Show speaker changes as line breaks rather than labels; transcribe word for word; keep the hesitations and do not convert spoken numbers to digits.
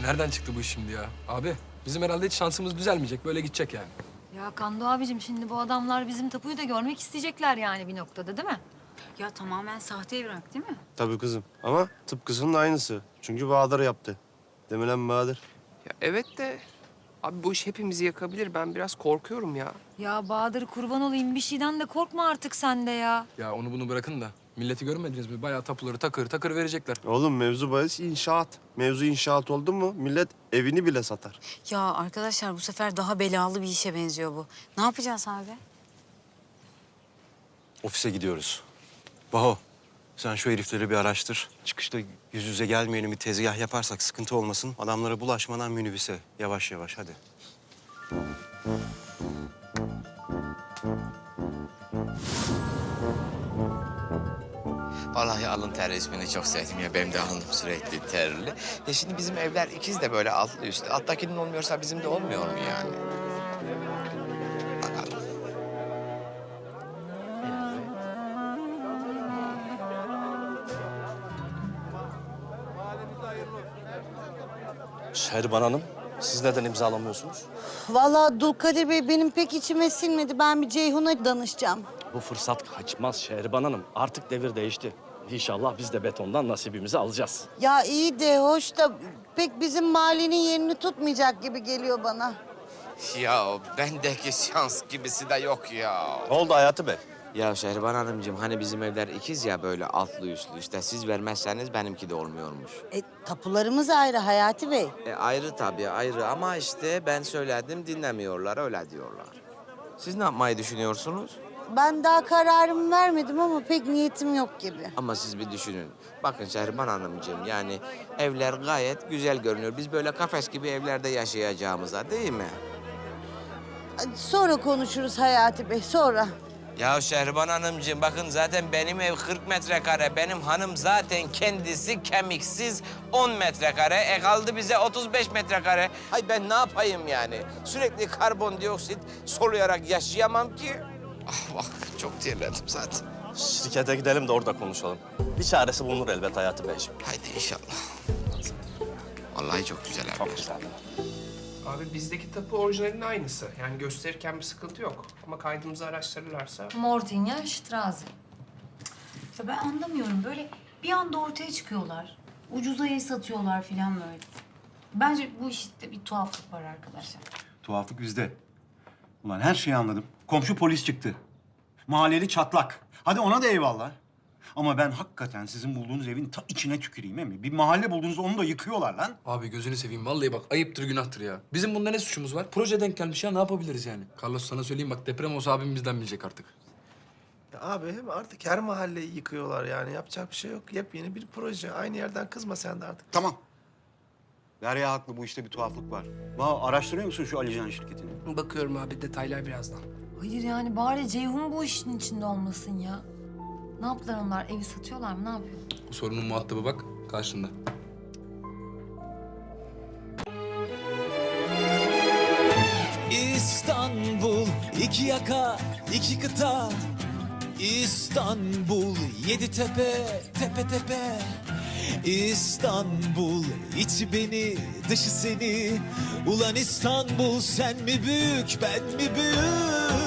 nereden çıktı bu iş şimdi ya? Abi bizim herhalde hiç şansımız düzelmeyecek. Böyle gidecek yani.
Ya Kando abicim şimdi bu adamlar bizim tapuyu da görmek isteyecekler yani bir noktada değil mi?
Ya tamamen sahte evrak değil mi?
Tabii kızım ama tıpkısının aynısı. Çünkü Bahadır yaptı. Değil mi lan Bahadır?
Ya evet de abi bu iş hepimizi yakabilir. Ben biraz korkuyorum ya.
Ya Bahadır kurban olayım bir şeyden de korkma artık sen de ya.
Ya onu bunu bırakın da. Milleti görmediniz mi? Bayağı tapuları takır takır verecekler.
Oğlum mevzu bahis inşaat. Mevzu inşaat oldu mu millet evini bile satar.
Ya arkadaşlar bu sefer daha belalı bir işe benziyor bu. Ne yapacağız abi?
Ofise gidiyoruz. Baho, sen şu herifleri bir araştır. Çıkışta yüz yüze gelmeyelim, bir tezgah yaparsak sıkıntı olmasın. Adamlara bulaşmadan minibüse. Yavaş yavaş, hadi.
Vallahi alın terli ismini çok sevdim ya. Benim de alnım sürekli terli. Ya şimdi bizim evler ikiz de böyle altlı üstlü. Alttakinin olmuyorsa bizim de olmuyor mu yani? Bakalım.
Şehriban Hanım, siz neden imzalamıyorsunuz?
Vallahi Dulkadir Bey benim pek içime sinmedi. Ben bir Ceyhun'a danışacağım.
Bu fırsat kaçmaz Şehriban Hanım. Artık devir değişti. İnşallah biz de betondan nasibimizi alacağız.
Ya iyi de hoş da pek bizim mahallenin yerini tutmayacak gibi geliyor bana.
Ya bendeki şans gibisi de yok ya.
Ne oldu Hayati Bey?
Ya Şehriban Hanımcığım hani bizim evler ikiz ya böyle altlı üstlü. İşte siz vermezseniz benimki de olmuyormuş.
E, tapularımız ayrı Hayati Bey.
E, ayrı tabii ayrı ama işte ben söyledim dinlemiyorlar öyle diyorlar. Siz ne yapmayı düşünüyorsunuz?
Ben daha kararımı vermedim ama pek niyetim yok gibi.
Ama siz bir düşünün. Bakın Şehriban Hanımcığım yani evler gayet güzel görünüyor. Biz böyle kafes gibi evlerde yaşayacağımıza değil mi?
Hadi sonra konuşuruz Hayati Bey, sonra.
Ya Şehriban Hanımcığım bakın zaten benim ev kırk metrekare. Benim hanım zaten kendisi kemiksiz on metrekare. E kaldı bize otuz beş metrekare. Hay ben ne yapayım yani? Sürekli karbondioksit soluyarak yaşayamam ki. Ah bak çok terledim zaten.
Şirkete gidelim de orada konuşalım. Bir çaresi bulunur elbet Hayati Beyciğim.
Haydi inşallah. Vallahi çok güzel
Çok
evler.
güzel.
Abi bizdeki tapu orijinalinin aynısı. Yani gösterirken bir sıkıntı yok. Ama kaydımızı araştırırlarsa...
Mortinya Straße.
Ya ben anlamıyorum böyle bir anda ortaya çıkıyorlar. Ucuza ev satıyorlar falan böyle. Bence bu işte bir tuhaflık var arkadaşlar.
Tuhaflık bizde. Ulan her şeyi anladım. Komşu polis çıktı. Mahalleli çatlak. Hadi ona da eyvallah. Ama ben hakikaten sizin bulduğunuz evin ta içine tüküreyim mi? Bir mahalle buldunuz onu da yıkıyorlar lan.
Abi gözünü seveyim. Vallahi bak ayıptır günahtır ya. Bizim bunda ne suçumuz var? Proje denk gelmiş ya. Ne yapabiliriz yani? Carlos sana söyleyeyim bak deprem olsa abim bizden bilecek artık.
Ya abi hem artık her mahalleyi yıkıyorlar yani. Yapacak bir şey yok. Yepyeni bir proje. Aynı yerden kızma sen de artık.
Tamam. Derya haklı, bu işte bir tuhaflık var. Vah, araştırıyor musun şu Alican şirketini?
Bakıyorum abi detaylar birazdan.
Hayır yani bari Ceyhun bu işin içinde olmasın ya. Ne yaptılar onlar? Evi satıyorlar mı? Ne yapıyor?
Bu sorunun muhatabı bak karşında.
İstanbul, iki yaka, iki kıta. İstanbul, yedi tepe, tepe tepe. İstanbul, içi beni, dışı seni. Ulan İstanbul, sen mi büyük, ben mi büyük?